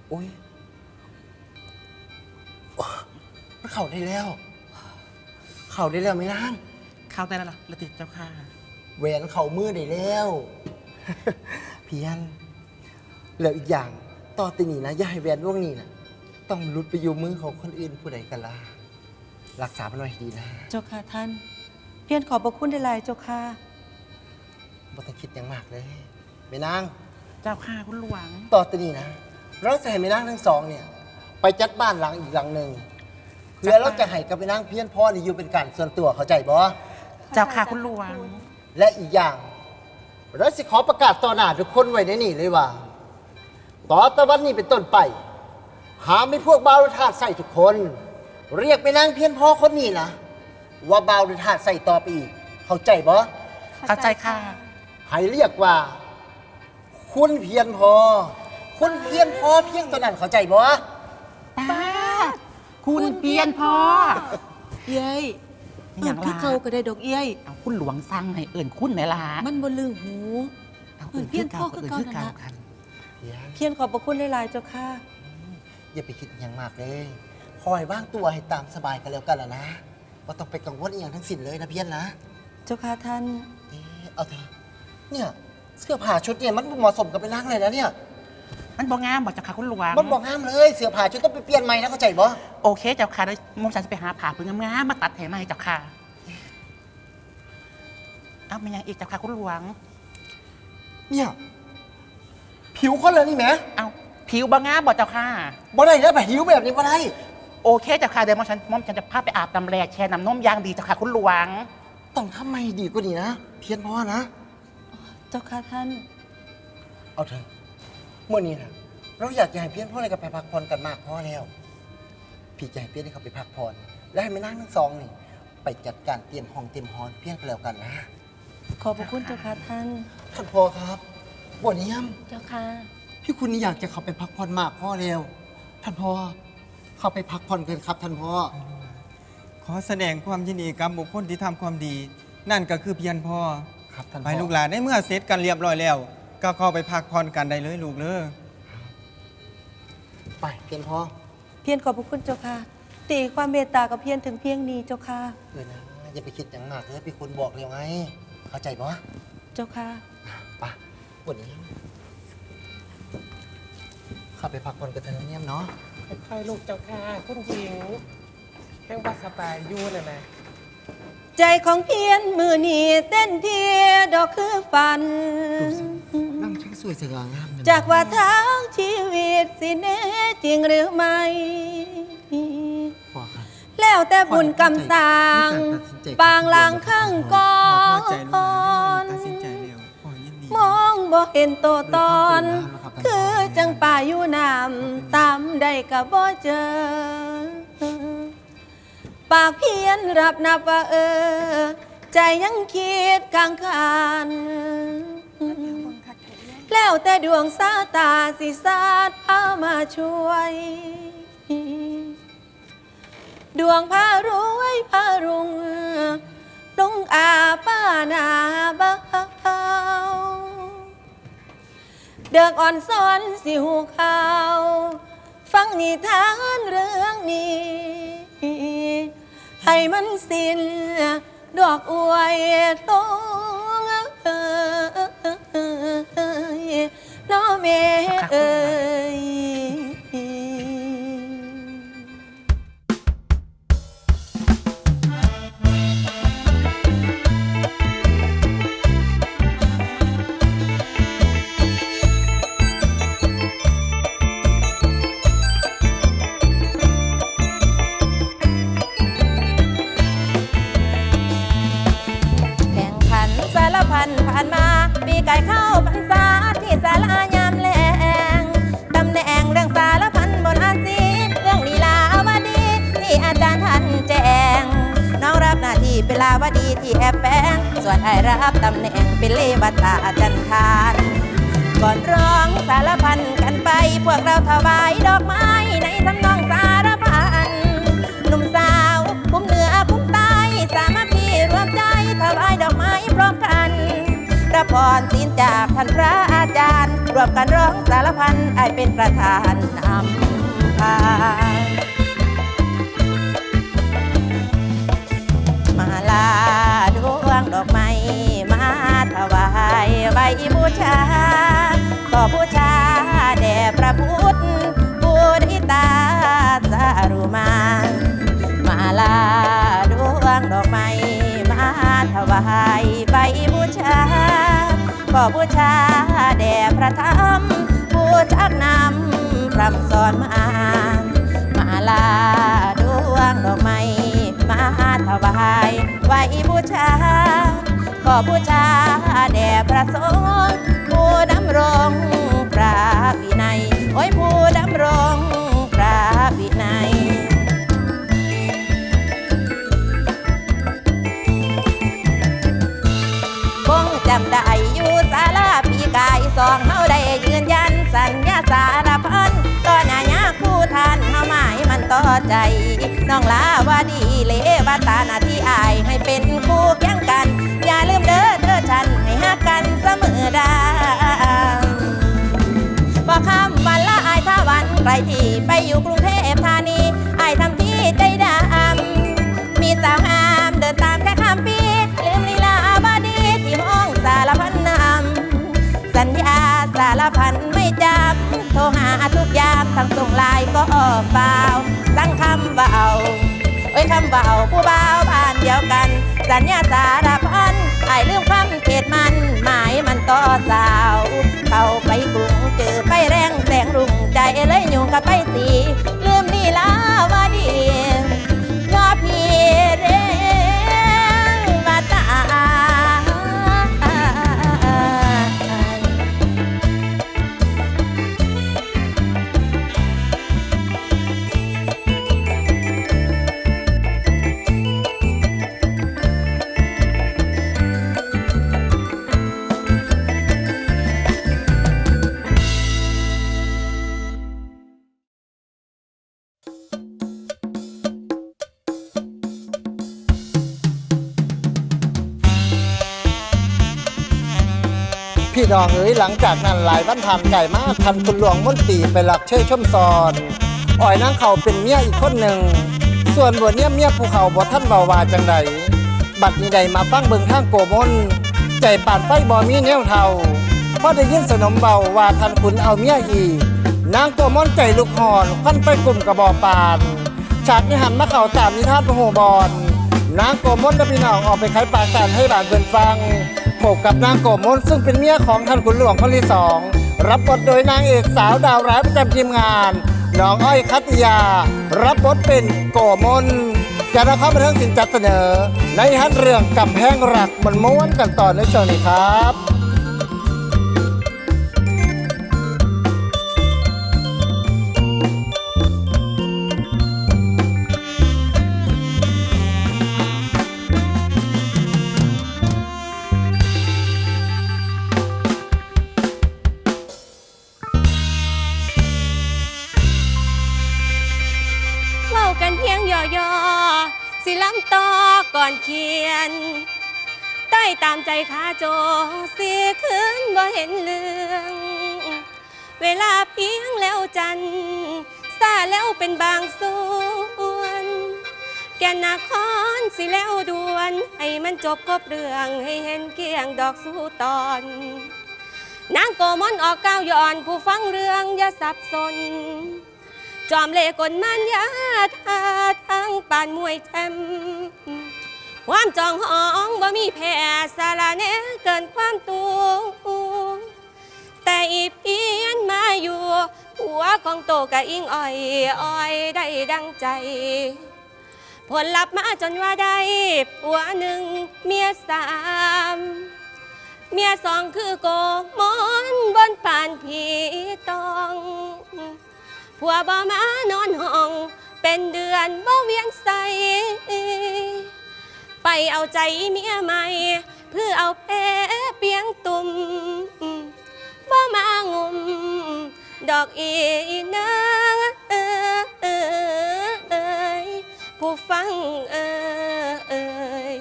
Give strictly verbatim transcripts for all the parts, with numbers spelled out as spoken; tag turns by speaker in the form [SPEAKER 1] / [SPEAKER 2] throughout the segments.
[SPEAKER 1] โอ้ยมันเข่าได้แล้วเข่าได้แล้วไม่ล่าง
[SPEAKER 2] เข้าได้แล้วล่ะละติดเจ้าค่ะ
[SPEAKER 1] แหวนเข่ามือได้แล้ว เพียนแล้วอีกอย่างต่อตีนี้นะอย่าให้แหวนร่วงนี้นะต้องหลุดไปอยู่มือของคนอื่นผู้ใดกันล่ะรักษามันไว้ให้ดีนะ
[SPEAKER 3] เจ้าค่ะท่านเพียรขอบพระคุณได้หลายเจ้าค่ะ
[SPEAKER 1] บ่ต้องคิดอย่างมากเลยแม่นาง
[SPEAKER 2] เจ้าค่ะคุณหลวง
[SPEAKER 1] ต่อตีนี้นะเราจะให้แม่นางทั้งสองเนี่ย ไปจัดบ้านหลังอีกหลังหนึ่งเพื่อเราจะให้กับแม่นางเพียนพ่อนี่อยู่เป็นการส่วนตัวเข้าใจบ่
[SPEAKER 2] เจ้าค่ะคุณหลวง
[SPEAKER 1] และอีกอย่างเราสิขอประกาศต่อหน้าทุกคนไว้ในนี่เลยว่า ต่อตะวันนี้เป็นต้นไป หาไม่พวกบ่าวทาสใส่ทุกคน เรียกไปนางเพียนพ่อคนนี้นะว่าบ่าวทาสใส่ต่อไปอีก เข้าใจบ่
[SPEAKER 2] เข้าใจค่ะ
[SPEAKER 1] ให้เรียกว่า คุณเพียนพอ คุณเพียนพอเพียงตัวนั้นเข้าใจบ่
[SPEAKER 2] ป้าคุณเพียนพอ
[SPEAKER 3] เย้ย
[SPEAKER 2] อ
[SPEAKER 3] เอิ้
[SPEAKER 2] ย่าน ง
[SPEAKER 3] คือ
[SPEAKER 2] ล่ะ
[SPEAKER 3] เขาก็ได้ดอกเย้ย
[SPEAKER 2] เอาคุณหลวงสั่งให้เอิ่นคุณไหนล่ะ
[SPEAKER 3] มันบ่ลืมหู
[SPEAKER 2] เอา
[SPEAKER 3] เอิ่นเพี้ยนพ่อคือเก่า
[SPEAKER 2] เอิ่น
[SPEAKER 3] นั่น
[SPEAKER 2] เก่า
[SPEAKER 3] ล่ะ
[SPEAKER 2] กัน
[SPEAKER 1] เพียน
[SPEAKER 3] เพียรขอบพระคุณได้หลายเจ้าค่ะ
[SPEAKER 1] อย่าไปคิดอย่างมากเลย คอยว่างตัวให้ตามสบายกันแล้วกันล่ะนะว่าต้องไปกังวลอีกอย่างทั้งสิ้นเลยนะเพียนนะ
[SPEAKER 3] เจ้าค่ะท่าน
[SPEAKER 1] เอ๊ะเอาเถอะเนี่ยเสื้อผ้าชุดเนี่ยมันบ่เหมาะสมกับไปนั่งเลยนะเนี่ย
[SPEAKER 2] มันบ่งามบอกเจ้าค่ะคุณหลวง
[SPEAKER 1] มันบอกห้ามเลยเสื้อผ้าชุดต้องไปเปลี่ยนใหม่นะเข้าใจบ่
[SPEAKER 2] โอเคเจ้าค่ะเดี๋ยวมอมฉันจะไปหาผ่าเพื่องามๆมาตัดแถมให้เจ้าค่ะเอาเป็นยังอีกเจ้าค่ะคุณหลวง
[SPEAKER 1] เนี่ยผิวคนเลยนี่แหม
[SPEAKER 2] เอาผิวบ่งามบอกเจ้าค่ะ
[SPEAKER 1] บ่ได้แล้วแบบผิวแบบนี้บ่ได้
[SPEAKER 2] โอเคเจ้าค่ะเดี๋ยวมอมฉันมอมฉันจะพาไปอาบน้ำแร่แช่น้ำนมยางดีเจ้าค่ะคุณหลวง
[SPEAKER 1] ต้องทำไมดีกว่านี้นะ เพียนพอนะ
[SPEAKER 3] เจ้าค่ะท่าน
[SPEAKER 1] เอาเถอะเมื่อนี้นะเราอยากจะให้เพียนพ่ออะไรกับไปพักผ่อนกันมากพอแล้ว พี่จะให้เพียนให้เขาไปพักผ่อนและให้แม่นั่งทั้งสองนี่ ไปจัดการเตรียมห้องเตรียมฮอนเพียนกันแล้วกันนะ
[SPEAKER 3] ขอบพระคุณเจ้าค่ะท่าน
[SPEAKER 1] ท่านพ่อครับบ่เนียม
[SPEAKER 3] เจ้าค่ะ
[SPEAKER 1] พี่คุณนี่อยากจะเขาไปพักผ่อนมากพ่อแล้ว ท่านพ่อเขาไปพักผ่อนกันครับท่านพ่อ
[SPEAKER 4] ขอแสดงความยินดีกับบุคคลที่ทำความดี นั่นก็คือเพียรพ่อ
[SPEAKER 1] ครับท่าน
[SPEAKER 4] ไป
[SPEAKER 1] พ่อ
[SPEAKER 4] ลูกหลานได้เมื่อเสร็จกันเรียบร้อยแล้ว ก็เข้าไปพักผ่อนกันได้เลยลูกเลย
[SPEAKER 1] ไปเพียนพ่อ
[SPEAKER 3] เพียรขอบพระคุณเจ้าค่ะตีความเมตตากับเพียรถึงเพียงนี้เจ้าค่ะ
[SPEAKER 1] เออนะอย่าไปคิดอย่างมากเลยพี่คุณบอกเร็วไง เข้าใจปะ
[SPEAKER 3] เจ้าค่ะ
[SPEAKER 1] ไปวันนี้เข้าไปพักผ่อนกันเถอะนะเนี่ยมเนาะ
[SPEAKER 5] ค่อยๆลูกเจ้าค่ะคุณหญิงแห้งว่าสบายอยู่น่ะนะ
[SPEAKER 3] ใจของเพียรมือนี้เต้นเพียดอกคือฝัน
[SPEAKER 1] ดูสินั่งช่างสวยสง่างามเลย
[SPEAKER 3] จากว่าทางชีวิตสิแน่จริงหรือไม่
[SPEAKER 1] พ่อครับ
[SPEAKER 3] แล้วแต่บุญกรรมสร้างปางลางข้างก่อ
[SPEAKER 4] พ่อพอใจลูกหลาน
[SPEAKER 3] น
[SPEAKER 4] ได้ตัดสินใจแล้วพ่อยินดี
[SPEAKER 3] มองบ่เห็นตัวตน คือจังป่าอยู่น้ำตามได้ก็บ่เจอ ปากเพียนรับนับว่าเออ ใจยังคิดกลางคัน แล้วแต่ดวงสาตาสิสาดพามาช่วย ดวงพารวยพารุงลงอาป้านาเบาเดือกอ่อนซ้อนสิหูข่าว ฟังนิทานเรื่องนี้ ให้มันสิ้นดอกอวยตงเอ้ยน้อเมเอ้ย
[SPEAKER 6] แข่งขันสารพันผ่านมาปีไก่เข้าพรรษาที่ศาลายามแลงตำแหน่งเรื่องสารพันบนอาซีเรื่องลีลาวดีที่อาจารย์ท่านแจ้งน้องรับหน้าที่เป็นลาวดีที่แอบแฝงส่วนไอ้รับตำแหน่งเป็นเลวตาจันทานก่อนร้องสารพันกันไปพวกเราถวายดอกไม้ในทำนองสารพันหนุ่มสาวคุ้มเหนือคุ้มใต้สามัคคีรวมใจถวายดอกไม้พร้อมกันรับพรศีลจากท่านพระอาจารย์รวมกันร้องสารพันไอเป็นประธานนำพามาลาดวงดอกไม้มาถวายใบบูชาขอบูชาแด่พระพุทธบูริตาสารุมามาลาดวงดอกไม้มาถวายใบบูชาขอบูชาแด่พระธรรมผู้ชักนำพร่ำสอนมามาลาดวงดอกไม้มาถวายไหวบูชาขอบูชาแด่พระสงฆ์ผู้ดำรงพระวินัยโอ้ยผู้ดำรงพระวินัยคงจำได้อยู่ศาลาปีกายสองเฮาได้ยืนยันสัญญาสารพันต่อหน้าญาคู่ทานเฮาหมายมันต่อใจน้องลาวาดีเลวาตาหน้าที่อายให้เป็นคู่เคียงกันอย่าลืมเด้อเธอฉันให้ฮักกันเสมอดาบอกคำวันละอายท่าวันใครที่ไปอยู่กรุงเทพธานีอายทำที่ใจดำมีสาวงามเดินตามแค่ข้ามปีลืมลีลาบาดีที่มองสารพันนำสัญญาสารพันไม่จำโทรหาทุกยามทั้งส่งไลน์ก็เปล่าสั่งคำว่าเอาเอ้ยคำว่าเอาผู้บ่าวบ้านเดียวกันสัญญาสารพันอายลืมคำเขตมันหมายมันต่อสาวเข้าไปกรุงเจอไฟแรงแสงรุ่งใจเลยยุ่งกับไปสีลืมนี่ลาวาดีชอบพี่เร่มาตา
[SPEAKER 1] พี่น้องเอ๋ยหลังจากนั้นหลายวันผ่านไก่มาทันคุณหลวงมนตรีไปหลักเชยชมซอนอ่อยนางเขาเป็นเมียอีกคนหนึ่งส่วนบัวเนี่ยเมียภูเขาบ่ท่านเบาวาจังใดบัดนี้ใดมาฟังเบิ่งข้างโกมนใจป่านไฟบ่มีแนวเท่าพอได้ยินสนมเบาว่าทันคุณเอาเมียอีกนางโกมนใจลุกหอนควันไฟกลุ่มกระบอกปานฉากนี้หันมาเข่าตามนิทานพระโหบอนนางโกมนและพี่น้องออกไปขายปากกันให้บ้านเบิ่นฟังพบกับนางโกมนซึ่งเป็นเมียของท่านขุนหลวงคนที่สองรับบทโดยนางเอกสาวดาวร้ายประจำทีมงานน้องอ้อยคัตติยารับบทเป็นโกมนจะนำเข้ามาเรื่องสินจัดเสนอในฮันเรื่องกำแพงรักมันม้วนกันต่อในช่วงนี้ครับ
[SPEAKER 3] สิล้ำต่อก่อนเขียนใต้ตามใจขาโจสีคืนบ่เห็นเรื่องเวลาเพียงแล้วจันซาแล้วเป็นบางส่วนแก่นนาคอนสิแล้วด่วนให้มันจบครบเรื่องให้เห็นเกียงดอกสู้ตอนนางโกมนออกก้าวย้อนผู้ฟังเรื่องอย่าสับสนจอมเล่กลมันยาทาทั้งปานมวยแชมความจองห้องบ่มีแพ้สาระเนเกินความตัวแต่อีเพียนมาอยู่หัวของโตกะอิงอ้อยอ้อยได้ดังใจผลลัพธ์มาจนว่าได้ผัวหนึ่งเมียสามเมียสองคือโกมนบนป่านผีตองผัวบ่มานอนห้องเป็นเดือนบ่เวียนใสไปเอาใจเมียใหม่เพื่อเอาแพ้เปียงตุ่มบ่มางุมดอกอีนางเอ้ยผู้ฟังเอ้ย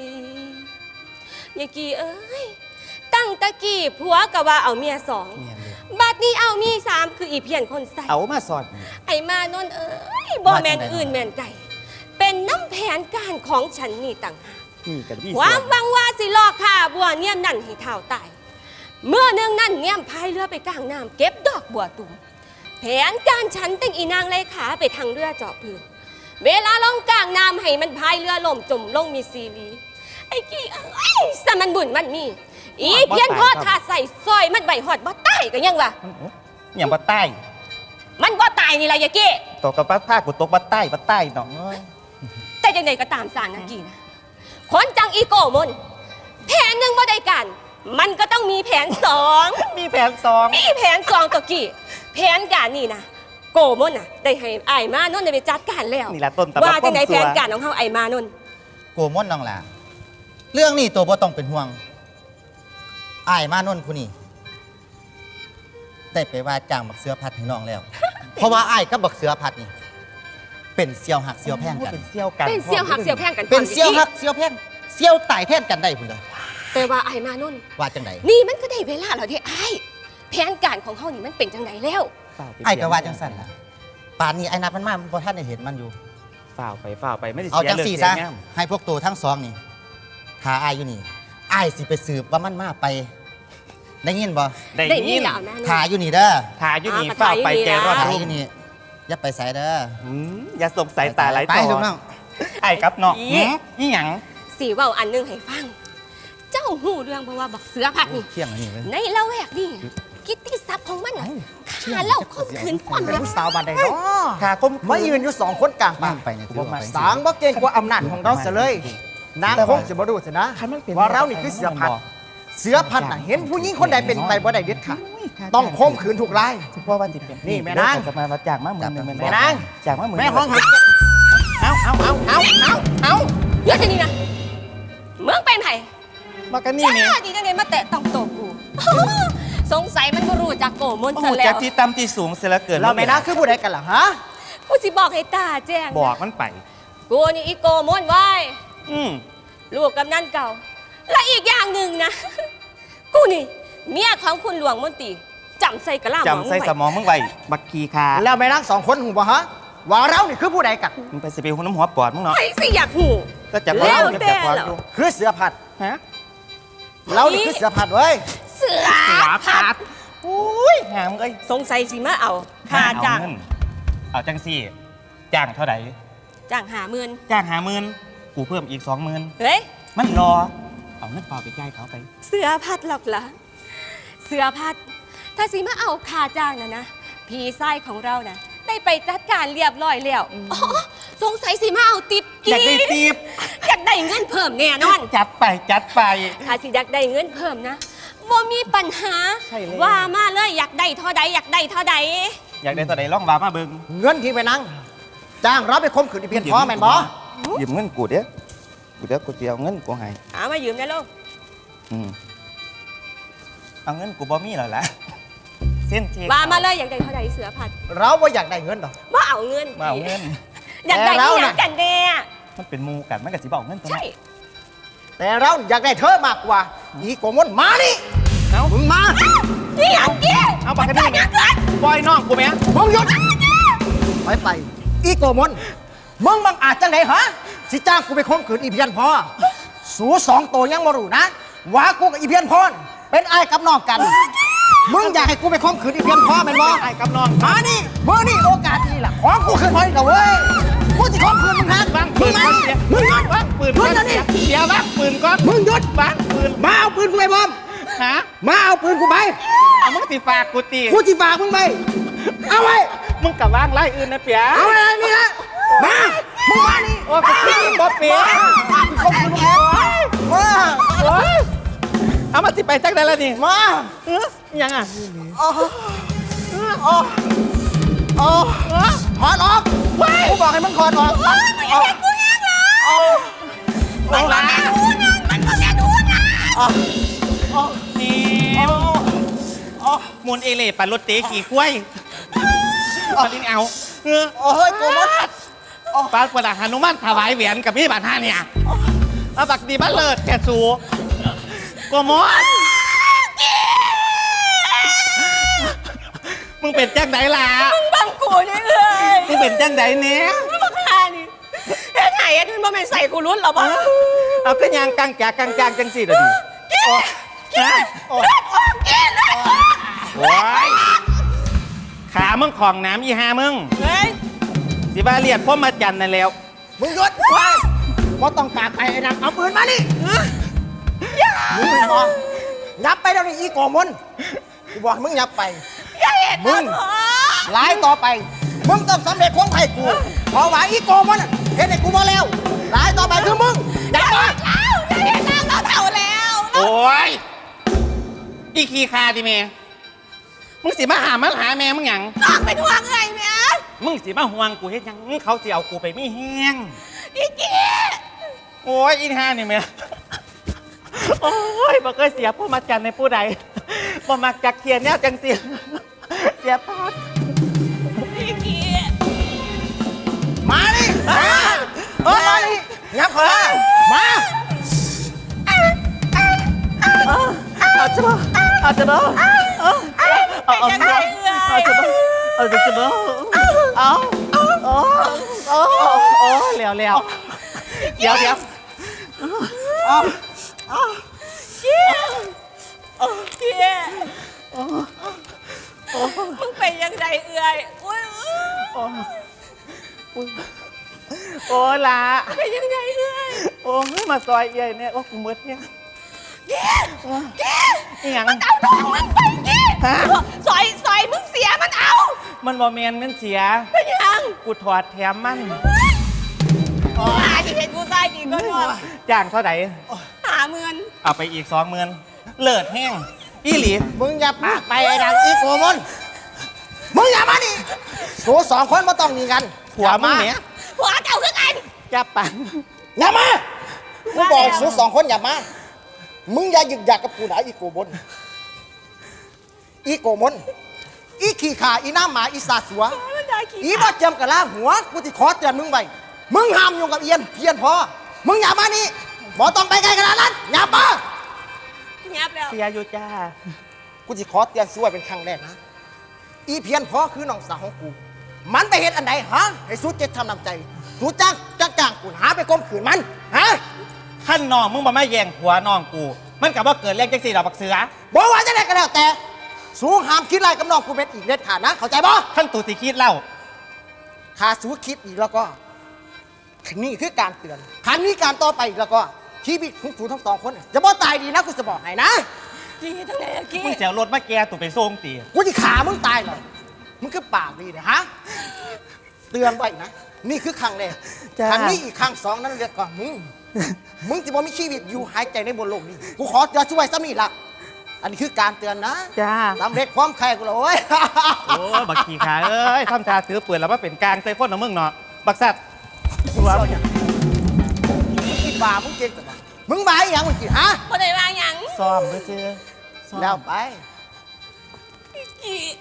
[SPEAKER 3] ยายกี่เอ้ยตั้งตะกี้ผัวก็ว่าเอาเมียสองบัดนี้มีเอามีสามคืออีเพียนคนใส่
[SPEAKER 2] เอามาสอน
[SPEAKER 3] ไอ้มานนท์เอ้ยบ่แมนอื่นแมนไก่ เป็นน้ำแผนการของฉันนี่ต่างหาก
[SPEAKER 2] นี่กันพี่
[SPEAKER 3] ความหวังว่าสิลอกข่าบัวเนียมนั่นให้เท่าตาย เมื่อเนื่องนั่นเนียมพายเรือไปกลางน้ำเก็บดอกบัวตุ่มแผนการฉันตั้งอีนางไล่ขาไปทางเรือเจาะพื้นเวลาลงกลางน้ำให้มันพายเรือล่มจมลงมีซีรีไอ้กี้เอ้ยสมันบุญมันมีอีเพี้ยนพ่อทาใส่ซอยมันใบหอดบ่ใต้กันยังวะ
[SPEAKER 2] อย่างบัดใต้
[SPEAKER 3] มันบ่ตายนี่ล่ะยายกี้
[SPEAKER 2] ตกกับป้าผ้ากูตกบัดใต้บัดใต้น้องเอ้ย
[SPEAKER 3] แต่ยังไงก็ตามสารนักกี้นะคนจังอีโกมนแผนหนึ่งบ่ได้กัน มันก็ต้องมีแผนสอง
[SPEAKER 2] มีแผนสอง
[SPEAKER 3] มีแผนสองตะกี้แผนการนี่นะโกมนน่ะได้ให้ไอ้ายมานนท์ได้ไปจัดการแล้ว
[SPEAKER 2] นี่แหละต้นตำรับ
[SPEAKER 3] ว่าจังไหน
[SPEAKER 2] ความ
[SPEAKER 3] แผ
[SPEAKER 2] สัว
[SPEAKER 3] นการของเฮาไอ้ายมานนท์
[SPEAKER 7] โกมอนน้องหล่ะเรื่องนี้ตัวบ่ต้องเป็นห่วงอ้ายมานนท์ผู้นี้ได้ไปว่าจ้างบักเสือพัดให้น้องแล้ว เพราะว่าอ้ายกับบักเสือพัดนี่เป็นเสี่ยวหักเสี่ยวแพงกัน
[SPEAKER 2] เป็นเซี่ยวกัน
[SPEAKER 3] เป็นเสี่ยวหักเสี่ยวแพงกัน
[SPEAKER 7] เป็นเสี่ยวหักเสี่ยวแพงเสี่ยวตายแทนกันได้พุ่นเด้อ
[SPEAKER 3] แต่ว่าไอ้ายมานนท์
[SPEAKER 7] ว่าจังได
[SPEAKER 3] นี่มันก็ได้เวลาแล้วเด้ไอ้ายแผนการของเฮานี่มันเป็นจังไหนแล้ว
[SPEAKER 7] อ้ายก็ว่าจังสั่นล่ะป่านนี้ไอ้นับมันมาบ่ทันได้เห็นมันอยู่
[SPEAKER 2] ฝ่าวไปฝ่าวไปไม่ได้
[SPEAKER 7] เอา
[SPEAKER 2] เสีย
[SPEAKER 7] จัง
[SPEAKER 2] เรื่อง
[SPEAKER 7] สี่
[SPEAKER 2] เสี
[SPEAKER 7] ซะ
[SPEAKER 2] ยงาม
[SPEAKER 7] ให้พวกตัวทั้งสองนี่หาอ้ายอยู่นี่อ้ายสิไปสืบว่ามันมาไป ได้ยินบ่
[SPEAKER 2] ได้
[SPEAKER 3] ได้
[SPEAKER 2] ยิ
[SPEAKER 3] นี่
[SPEAKER 2] น
[SPEAKER 3] แหละเอามานน
[SPEAKER 7] ถ่าย
[SPEAKER 3] ท์
[SPEAKER 7] อยู่นี่เด้อ
[SPEAKER 2] ทาอยู่นี่
[SPEAKER 3] อ่า
[SPEAKER 2] ฝ่าวไป
[SPEAKER 3] ถ่ายอยู่นี่
[SPEAKER 2] แก
[SPEAKER 3] นะ
[SPEAKER 2] รอด
[SPEAKER 7] ถ่าย
[SPEAKER 2] รุ่
[SPEAKER 7] อง ยู่นี่อย่าไปใส่เด้อ
[SPEAKER 2] อืมอย่าสงสัยตาไหล
[SPEAKER 7] ไป
[SPEAKER 2] ต่
[SPEAKER 7] ลู
[SPEAKER 2] อก
[SPEAKER 7] น้อง
[SPEAKER 2] ไอ้ครับเนาะหืมนี่หยัง
[SPEAKER 3] สีเว้าอันหนึงให้ฟัง เจ้าหูเรื่องเพราะว่าบักเสือพัดนี่
[SPEAKER 7] เที่ยงอันนี้เว้ย
[SPEAKER 3] ในละแวกนี่กิตติศัพท์ของมันน่ะฆ่าเล่าข่มขืนป้อน
[SPEAKER 1] เป็น
[SPEAKER 3] รัก
[SPEAKER 1] ผู้สาวบ้านใดเนาะ
[SPEAKER 2] ขาคม
[SPEAKER 1] มายืนอยู่สองคนกลาง
[SPEAKER 7] บ้า
[SPEAKER 1] ป่าง
[SPEAKER 7] ไปเนี่ยถือว่าไป
[SPEAKER 1] สางบ่เก่งกว่าอำนาจของเราเสียเลย นางคงจะบ่รู้สินะ
[SPEAKER 2] คันมันเป็น
[SPEAKER 1] ว่าเรานี่คือเสือพันธุ์เสือพันธุ์น่ะเห็นผู้หญิงคนใดเป็นไปบ่ได้เด็ดขาดต้องข่มขืนถูกราย
[SPEAKER 2] ที่พ่อวันสิเป็น
[SPEAKER 1] นี่แม่นาง
[SPEAKER 2] จะมาวัดจากมาหมื่นหนึ่ง
[SPEAKER 1] แม่นาง
[SPEAKER 2] จากมาหมื่น
[SPEAKER 1] แม่ห้องหักเอาเอาเอาเอาเอาเอา
[SPEAKER 3] เยอะทีนี้นะเมืองเป็นไผ่
[SPEAKER 2] มากันนี่นี่
[SPEAKER 3] จ้าดีจังเลยมาแตะต้องโตกู สงสัยมันบ่รู้จากโกมน
[SPEAKER 2] โอ้
[SPEAKER 3] ซะ
[SPEAKER 2] โห
[SPEAKER 3] แล้
[SPEAKER 2] จาว กที่ต่ำที่สูงเสียแล้วเกิน
[SPEAKER 1] เราแม่นางคือผู้ใดกันล่ะฮะ
[SPEAKER 3] กูสิบอกให้ตาแจ้งนะ
[SPEAKER 2] บอกมันไป
[SPEAKER 3] กูนี่อีโกมนไว้
[SPEAKER 2] อืม
[SPEAKER 3] ลูกกำนันเก่า และอีกอย่างหนึ่งนะ กูนี่เมียของคุณหลวงมนตรีจำใส่กระลาหมอง
[SPEAKER 2] จำใส่
[SPEAKER 3] ไว้
[SPEAKER 2] สมองมึงไว้บักกีคา
[SPEAKER 1] แล้วแม่นางสองคนหูบ่ฮะว่าเรานี่คือผู้ใดกัน
[SPEAKER 2] มึงไปสิไปหุ่นน้ำหัวปอดมึงเนาะ
[SPEAKER 3] ไอ้สิอยากหู
[SPEAKER 2] ก็จับ
[SPEAKER 3] แล้ว
[SPEAKER 2] จับ
[SPEAKER 3] แต่
[SPEAKER 2] ความ
[SPEAKER 3] เหรอ
[SPEAKER 2] ดู
[SPEAKER 1] คือเสือพันธุ์
[SPEAKER 2] ฮะ
[SPEAKER 1] เรานี่คือเสือพันธุ์เว้ย
[SPEAKER 3] เสือ
[SPEAKER 2] เสือ
[SPEAKER 3] พั
[SPEAKER 2] พั
[SPEAKER 3] ด
[SPEAKER 2] ดอุ้ยหามเอ้ย
[SPEAKER 3] สงสัยสิมาเอาค่าจ้าง
[SPEAKER 2] เอเงินเอาจังสี่จ้างเท่าไหร่
[SPEAKER 3] จ้างหาหมื่น
[SPEAKER 2] จ้างหาหมื่นกูเพิ่มอีกสองหมื่น
[SPEAKER 3] เฮ้ย
[SPEAKER 2] มันรอ เอาเงินเปล่าไปจ่ายเขาไป
[SPEAKER 3] เสือพัดหรอกล่ะ เสือพัด ถ้าสิมาเอาค่าจ้างนะนะ พี่ไส้ของเรานะได้ไปจัดการเรียบร้อยแล้วอ๋อสงสัยสิมาเอาติป
[SPEAKER 2] อยากได้ตีบ
[SPEAKER 3] อยากได้เงินเพิ่มแน่นอน
[SPEAKER 2] จัดไปจัดไป
[SPEAKER 3] ถ้าสิอยากได้เงินเพิ่มนะบ่มีปัญหา
[SPEAKER 2] ใช่เลย
[SPEAKER 3] ว่ามาเลยอยากได้เท่าใดอยากได้เท่าใด
[SPEAKER 2] อยากได้ตัวใดล่องวามาเบิ่ง
[SPEAKER 1] เงินที่แม่นางจ้างเราไปข่มขืนอีเพียนพ่อแม่นบ่
[SPEAKER 2] ยืมเงินกูเด้อกูเด้อกูจะเอาเงินกูให้
[SPEAKER 3] หามายืมได้ลูก
[SPEAKER 2] อืมเอาเงินกูบ่มีแล้วล่ะเส้นเช็ค
[SPEAKER 3] ว่ามาเลยอยากได้เท่าใดเสือพัด
[SPEAKER 1] เราบ่อยากได้เงินดอก
[SPEAKER 3] ว่าเอาเงิน
[SPEAKER 2] มาเอาเงิน
[SPEAKER 3] อยากได้
[SPEAKER 1] แต่เรา
[SPEAKER 3] ที่อ
[SPEAKER 1] น่ะ
[SPEAKER 3] ยากกันแน่
[SPEAKER 2] มันเป็นหมูกันมันก็สิบอกเงินตัว
[SPEAKER 3] ใช่
[SPEAKER 2] นั้น
[SPEAKER 1] แต่เราอยากได้เธอมากกว่า อีโกมนมานี่
[SPEAKER 2] เอ้า
[SPEAKER 1] มึงมา
[SPEAKER 3] นี่อยากกิน
[SPEAKER 2] เอาปากกันนี่ไงปล่อยน้องกูไหม
[SPEAKER 1] มึงหยุดไปไป อีโกมนมึงบังอาจจังไหนฮะ สิจ้างกูไปข่มขืนอีเพียนพ่อสูสองตัวยังมารู้นะว่ากูกับอีเพียนพ่อน่ะเป็นไอ้ายกับน้องกัน มึงอยากให้กูไปข่มขืนอีเพียนพ่อแม่นบ่
[SPEAKER 2] ไอ้กับน้อง
[SPEAKER 1] มานี่มือนี่โอกาสดีล่ะของกูคืนพอดีแล้วเว้ยกูสิข่มขืนมึงฮะ
[SPEAKER 2] วาง
[SPEAKER 1] มึ
[SPEAKER 2] ปื
[SPEAKER 1] ง
[SPEAKER 2] น
[SPEAKER 1] มา
[SPEAKER 2] ก่อน
[SPEAKER 1] นี่
[SPEAKER 2] เสีย
[SPEAKER 1] มึงหยุด
[SPEAKER 2] วางปืน
[SPEAKER 1] มึ
[SPEAKER 2] ก่
[SPEAKER 1] ง
[SPEAKER 2] อน
[SPEAKER 1] จะนี่
[SPEAKER 2] เสียวางปืนก่อน
[SPEAKER 1] มึงหยุด
[SPEAKER 2] วางปืน
[SPEAKER 1] มาเอาปืนกูไปบอม
[SPEAKER 2] ฮะ
[SPEAKER 1] มาเอาปืนกูไป
[SPEAKER 2] เอามึงสิฝากกูตี
[SPEAKER 1] กูจิฝากมึงไปเอาไว้
[SPEAKER 2] มึงกับว่างไล่อื่นนะเปีย
[SPEAKER 1] เอาไว้นี่ละมามึงมานี่
[SPEAKER 2] โอ้กูคิดบ่เปีย
[SPEAKER 1] ข่มขืนมึงแอบมา
[SPEAKER 2] โอ้ยเอามาสิไปจักได้แล้วนี่
[SPEAKER 1] มา
[SPEAKER 2] เอ้อยังอ่ะ
[SPEAKER 1] อ๋ออ๋ออ๋อถอดออกกูบอกให้มึงถอดออกอ๋อ
[SPEAKER 2] มันก็แม่ดูนะมันก็แม่ดูนะนี่มูลเอเล่ปั่นรถเตะกี่กล้วยตอนนี้เอาเออ
[SPEAKER 1] โอ้ยโกมด
[SPEAKER 2] ปาประดาหนุมานถวายแหวนกับพี่บาทห้าเนี่ยเอาบักดีบ้านเลิศแกสูกมอนมึงเป็นจังไดล่ะ
[SPEAKER 3] มึงบังกูนี่เอ้ย
[SPEAKER 2] มึงเป็นจังไดเนี้ย
[SPEAKER 3] มึงบังคานี่เฮ็ดไห้เฮ็ดมันบ่แม่นใส่กูรุ่นหรอบ่
[SPEAKER 2] เอาก็ยางกังจากกังจางจังสิเดี๋ยวดิ
[SPEAKER 3] กินกินเลือดออกกินเลือดออก
[SPEAKER 2] โอ้ยขามึงของน้ำอีหามึง
[SPEAKER 3] เฮ้ย
[SPEAKER 2] สิบาเลียดพ่อมาจันนั่นแล้ว
[SPEAKER 1] มึงหยุดว่าบ่ต้องปากไปไอ้นักเอาปืนมานี่มึงบอกยับไปแล้วนี่อีโกมนกูบอกให้มึงยับไป
[SPEAKER 3] อย่าเห็น
[SPEAKER 1] มึง หลายต่อไป มึงต้องสำเร็จความไข่กูเพราะว่าอีโกมนเห็นไอ้กูมาแล้วหลายต่อไปคือมึงยับมา
[SPEAKER 3] แล้วอย่าเห็นนางเราเท่าแล้ว
[SPEAKER 2] โอ้ยอีขี้คาดิเมมึงสิมาหามันหาแม่มึงหยัง
[SPEAKER 3] น้องเป็นห่วงเอ้ยแม่
[SPEAKER 2] มึงสิมาห่วงกูเฮ็ดหยังเขาสิเอากูไปไม่แห้ง
[SPEAKER 3] อีกี้
[SPEAKER 2] โอ้ยอีห่านี่แม่โอ้ยบ่เคยเสียพ่อมาจันในผู้ใดบ่มักจักเทียนแนวจังสิเสียพาด
[SPEAKER 3] อีกี้
[SPEAKER 1] มาดิมาเออมาดิยับเข้ามามา
[SPEAKER 2] เอาจะบ่เอาจะบ่เอาเอาเอาจะบ่เอาจะบ่เอาจะบ่เอาโอ้โอ้โอ้เลี้ยวเลี้ยวเดี๋ยวเดี๋ยว
[SPEAKER 3] กี้มึงไปยังไงเอ้ยอุ้ย
[SPEAKER 2] โอ้ละ
[SPEAKER 3] ไปยังไงเอ้ย
[SPEAKER 2] โอ้มาซอยเอี่ยเนี่ยโอ้กูมืดเนี่ย
[SPEAKER 3] กี้กี้
[SPEAKER 2] อีหยัง
[SPEAKER 3] มันเอาน้องมึงไปกี้
[SPEAKER 2] ฮะ
[SPEAKER 3] ซอยซอยมึงเสียมันเอา
[SPEAKER 2] มันบ่แม่นมันเสีย
[SPEAKER 3] เป็นยัง
[SPEAKER 2] กูถอดแถมมัน
[SPEAKER 3] โอ้ยที่เห็นกูตายกี่ก็นอน
[SPEAKER 2] จ้างเท่าไหร่
[SPEAKER 3] หาเมือน
[SPEAKER 2] เอาไปอีกสองหมื่นเลิศแห้งอีหลี
[SPEAKER 1] มึงอย่าปากไปไอ้ดังอีโกมนมึงอย่ามาดิกูสองคนมาต้องมีกัน
[SPEAKER 2] ผัวมึงเนี่ย
[SPEAKER 3] หัวเจ้าคือกัน
[SPEAKER 2] จับปัน
[SPEAKER 1] อย่ามากูบอกสูสองคนอย่ามามึงอย่าหยึกหยักกับกูนะอีโกมนอีโกมนอีขี้ขาอีน้ำหมาอีสาสัว
[SPEAKER 3] มันได้ขี้
[SPEAKER 1] อีบ่เจียมกับล่างหัวกูจะขอเตือนมึงไว้มึงห้ามยุ่งกับเอียนเพียนพอมึงอย่ามานี่บ่ต้องไปไกลขนาดนั้นอย่ามา
[SPEAKER 3] ยับแล้ว
[SPEAKER 2] เสียอยู่จ้า
[SPEAKER 1] กูจะขอเตือนสู้ไว้เป็นครั้งแรกนะอีเพียนพอคือน้องสาวของกู มันไปเห็นอันใดฮะให้สู้เจ็ดทำน้ำใจสู้จ้างจ้างจ้างกูหาไปก้มขืนมันฮะ
[SPEAKER 2] ขั้นน้องมึงมาไม่แย่งผัวน้องกู มันกับว่าเกิดเรื่องจังสี่ดอกบักเสือ
[SPEAKER 1] บอกว่าจะได้ก็แล้วแต่สู้ห้ามคิดไรกับน้องกูเป็นอีกเด็ดขาดนะเข้าใจบ่
[SPEAKER 2] ขั้นตูสิคิดเล่า
[SPEAKER 1] ถ้าสู้คิดอีกแล้วก็นี่คือการเตือนคันนี้การต่อไปอีกแล้วก็ชีวิตของสูทั้งสองคนจะบ่ตายดีนะกูจะบอกให้นะ
[SPEAKER 3] กี้ทั้งไหนอะกี้
[SPEAKER 2] มึงเสียรถมาแกตูไปส่งตี
[SPEAKER 1] กูจะขามึงตายเลยมึงคือปากดีเนี่ยฮะ เตือนไว้นะ นี่คือครั้งแรกครั้งนี้อีกครั้งสองนั้นเรียกก่อนมึง มึงจะบ่มีชีวิตอยู่หายใจในบนโลกนี้ กูขอจะช่วยซ้ำนี่ละอันนี้คือการเตือนนะ
[SPEAKER 2] จ้า
[SPEAKER 1] สำเร็จความใครกูเลยโอ้ย
[SPEAKER 2] โอ้บักขี่ขาเอ้ยทำชาถือปืนแล้วมาเป็นกลางใส่คนของมึงเนาะบักสัตว์กูว่า
[SPEAKER 1] มึงคิดบามึงเก่งแต่ว่ามึงบาอหย่างมึงคิดฮะ
[SPEAKER 3] บ่ได้ว่าหยัง
[SPEAKER 2] ซ้อมไปซื้อซ้อม
[SPEAKER 1] แล้วไป
[SPEAKER 3] กี้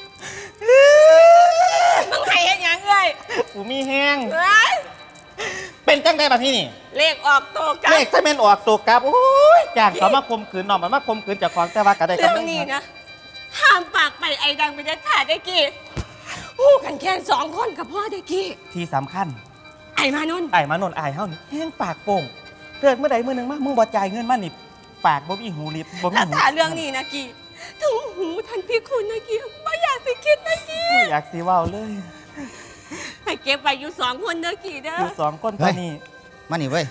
[SPEAKER 3] มึงให้เฮ็ดหยังเอ้ย
[SPEAKER 2] กูมีแห้ง
[SPEAKER 3] เอ้ย
[SPEAKER 2] เป็นจังได้แบบนี้นี่
[SPEAKER 3] เลขออกโตกัน
[SPEAKER 2] เลขจะเป็นออกตัวกลับโอ้ยจ้างเขามาข่มขืนน้องมันมาข่มขืนเจากของแต่ว่าก็ได้
[SPEAKER 3] เรื่อง
[SPEAKER 2] กำไร
[SPEAKER 3] นี้นะห้ามปากไปไอ้ดังไปเด็ดขาดได้กี้หู้กันแค่สองคนกับพ่อได้กี้
[SPEAKER 2] ที่สำคัญ
[SPEAKER 3] ไอ้มานุ่น
[SPEAKER 2] ไอ้มานนท์ไอ้เฮานี่แห้งปากโป่งเกิดเมื่อใดเมื่อหนึงมามึงบ่จ่ายเงินมานี่ปากบ่มีหูริบบ่มี
[SPEAKER 3] แล้ว
[SPEAKER 2] หู
[SPEAKER 3] ถ้าเรื่องนี้นะกี้ถึงหูทันพี่คุณนะกี้ไม่อยากสิคิดนะกี้
[SPEAKER 2] ไม่อยากสิเว้าเลย
[SPEAKER 3] ให้เก็บไว้อยู่สองคนเด้อกี้เด้อ
[SPEAKER 2] อยู่สองคนตอนนี้
[SPEAKER 7] มานี่เว้ย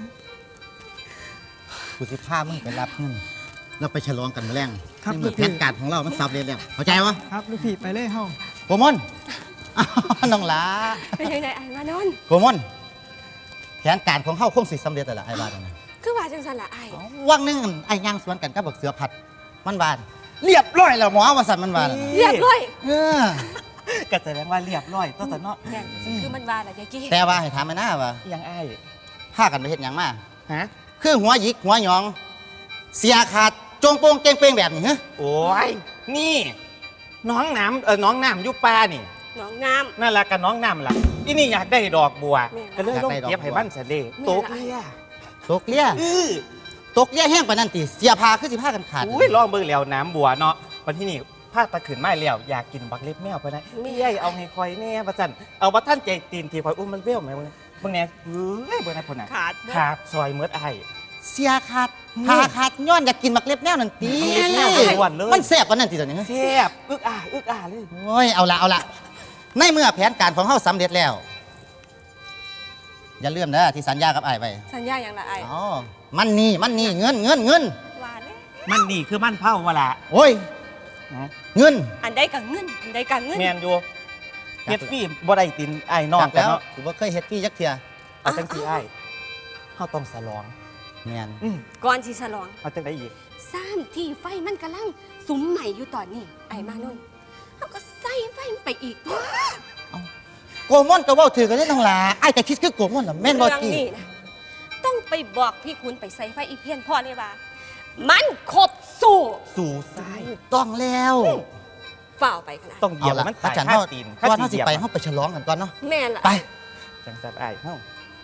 [SPEAKER 7] กูสิพามึงไปรับเงินแล้วไปฉลองกันมาแรง
[SPEAKER 4] ครับ
[SPEAKER 7] นี่แผนการของเรา มันสับเรียนแล้วเข้าใจวะ
[SPEAKER 4] ครับลูกพี่ไปเลยเฮา
[SPEAKER 7] โกมอนอ้าวน้องหลา
[SPEAKER 3] เป็นยังไงไอ้มานนท์
[SPEAKER 7] โกมอนแผนการของเฮาคงสิสำเร็จแต่ละไอ้บ้านนั่นนะ
[SPEAKER 3] คือว่าจังสันละไอ้
[SPEAKER 7] วังหนึงไอ้ย่างสวนกันกับบักเสือผัด มันบานเรียบร้อยแล้วหมอว่าสันมันบานน่ะ
[SPEAKER 3] เรียบร้อย
[SPEAKER 7] เออ
[SPEAKER 2] ก็แสดงว่าเรียบร้อยตัวสนอ
[SPEAKER 3] แม่นคือมันว่าละยายกี้
[SPEAKER 7] แต่ว่าให้ถามไอ้หน้าว่า
[SPEAKER 2] ยังอ้าย
[SPEAKER 7] พากันไปเฮ็ดหยังมา
[SPEAKER 2] ฮะ
[SPEAKER 7] คือหัวหยิกหัวหยอง เสียขาดจงโปงเก่งเป้งแบบนี้ฮะ
[SPEAKER 2] โอ้ยนี่น้องน้ำเออน้องน้ำอยุปลานี่
[SPEAKER 3] น้องน้
[SPEAKER 2] นั่นแหละกับน้องน้ำล่ะที่นี่อยากได้ดอกบัว
[SPEAKER 3] แม่
[SPEAKER 2] ก็เลยลงเก็บให้บ้านเสด็จ
[SPEAKER 3] แม่
[SPEAKER 2] โต๊ะ
[SPEAKER 3] ละ
[SPEAKER 2] เลี้ย
[SPEAKER 7] ตกเลี้ย
[SPEAKER 2] อื้อ
[SPEAKER 7] ตกเลี้ยแห้งปานนั้นติเสียพาคือสิพากันขาด
[SPEAKER 2] อุ้ยลองเบิ่งแล้วน้ำบัวเนาะวันที่นี่ผ้าตะขืนไม้แล้วอยากกินบักเล็บแมวไปนะเอ้ยเอาให้คอยแน่ประจันเอาว่าท่านใจตีนทีคอยอุ้มมันเบี้ยวไหมมึงมึงเนี่ยเฮ้ยเบิ่งนะพ่นน่ะ
[SPEAKER 3] ขาด
[SPEAKER 2] ขาดซอยเมือดไอ้
[SPEAKER 7] เสียขาดพาขาดย้อนอยากกินมักเล็บแนวนั่นตี
[SPEAKER 2] มักเล็บแนวอ้วนเลย
[SPEAKER 7] มันแซ่บกว่านั้นทีตัวนี้
[SPEAKER 2] แซ่บอึกอ่าอึกอ่าเลย
[SPEAKER 7] โอ้ยเอาละเอาละในเมื่อแผนการของเฮาสำเร็จแล้ว อย่าลืมนะที่สัญญากับไอ้ายไป
[SPEAKER 3] สัญญาอย่างละไอ้
[SPEAKER 7] อ๋อมันนี่มันนี่เงินเงินเงิน
[SPEAKER 3] หวานเลย
[SPEAKER 2] มันนี่คือมันเผาวะละ
[SPEAKER 7] โอ้ยเงิน
[SPEAKER 3] อันใดกับเงินอันใดกับเงิน
[SPEAKER 2] แมนอยู่เฮ็ดฟรีบ่ได้ตินไอ้น้อง
[SPEAKER 7] จาก
[SPEAKER 2] กัน
[SPEAKER 7] แล้ว
[SPEAKER 2] เนาะ
[SPEAKER 7] ถือว่าเคยเฮ็ดพี่ยักเทีย
[SPEAKER 2] เอาจังสีไอ้เฮาต้องสลอง
[SPEAKER 7] แม่น
[SPEAKER 2] อืม
[SPEAKER 3] ก่อนที่ฉลอง
[SPEAKER 2] เอาจังได๋อีก
[SPEAKER 3] สามที่ไฟมันกำลังสุมใหม่อยู่ตอนนี้ไอ้มานุ่นเขาก็ใส่ไฟมันไปอีกตัว
[SPEAKER 7] โกม่อนก็เว้าถือกันได้ทั้งหลายไอ้ายแต่คิดคือโกม่อนน่ะแม่นบ่
[SPEAKER 3] เรื่อง
[SPEAKER 7] จี
[SPEAKER 3] นี้นะต้องไปบอกพี่คุณไปใส่ไฟอีเพียนพ่อเลยว่า มันครบสู้
[SPEAKER 2] สู่ซ้าย
[SPEAKER 7] ถูกต้องแล้ว
[SPEAKER 3] ฝ่าวไปขนาด
[SPEAKER 2] ต้องเหยียบ
[SPEAKER 7] เอาละ
[SPEAKER 2] มัน
[SPEAKER 7] อา
[SPEAKER 2] ตาย
[SPEAKER 7] จารย์
[SPEAKER 2] ข้า
[SPEAKER 7] เฮา
[SPEAKER 2] ตีน
[SPEAKER 7] ก่อนเฮาสิไป
[SPEAKER 2] เหยียบ
[SPEAKER 7] เฮาไปฉลองกันก่อนเนาะ
[SPEAKER 3] แม่นละ
[SPEAKER 7] ไป
[SPEAKER 2] จังซับไอ้เฮา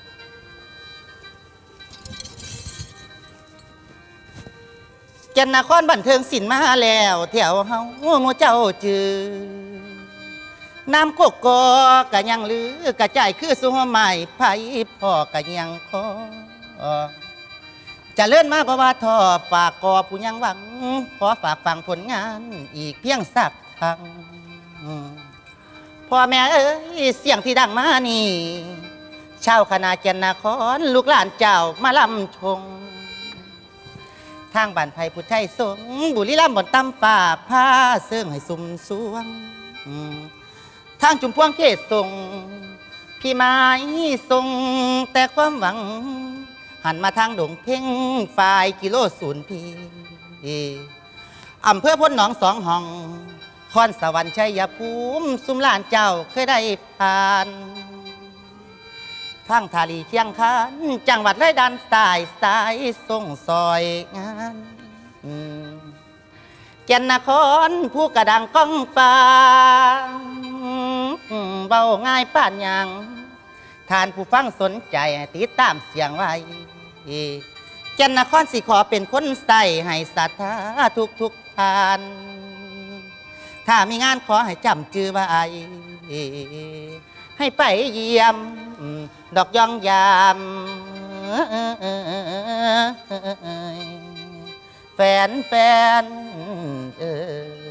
[SPEAKER 7] แก่นนครบันเทิงศิลป์มาแล้วแถวเฮาหมู่เจ้าจือน้ำโกกกะยังลือกระจายคือสัวใหม่ไผพ่อกะยังคอจะเลื่อนมาบ่ว่าทอฝากกอผู้ยังหวัง ขอฝากฟังผลงานอีกเพียงสักครั้งพ่อแม่เอ้ยเสียงที่ดังมานี่ชาวคณะแก่นนครลูกหลานเจ้ามาลำชง ทางบ้านไผ่พุทธไทยสงฆ์บุรีรัมย์บนตำฝ่าผ้าเสื่องให้สุ่มสวงอืมทางจุมพวงเขตส่งพี่ไม้ส่งแต่ความหวัง หันมาทางดงเพ่งฝ่ายกิโลศูนย์พีอำเภอพ้นหนองสองห้องคอนสวรรค์ชัยภูมิสุมลานเจ้าเคยได้ผ่านทางทาลีเชียงคานจังหวัดไรดันสายสายส่งซอยงานอืมแก่นนครผู้กระดังก้องฟ้าอืมเบาง่ายป่านยังท่านผู้ฟังสนใจติดตามเสียงไว้แก่นนครสิขอเป็นคนใส่ให้ศรัทธาทุกทุกทาน ถ้ามีงานขอให้จำจือไว้ให้ไปเยี่ยมดอกย่องยามแฟนแฟนเออ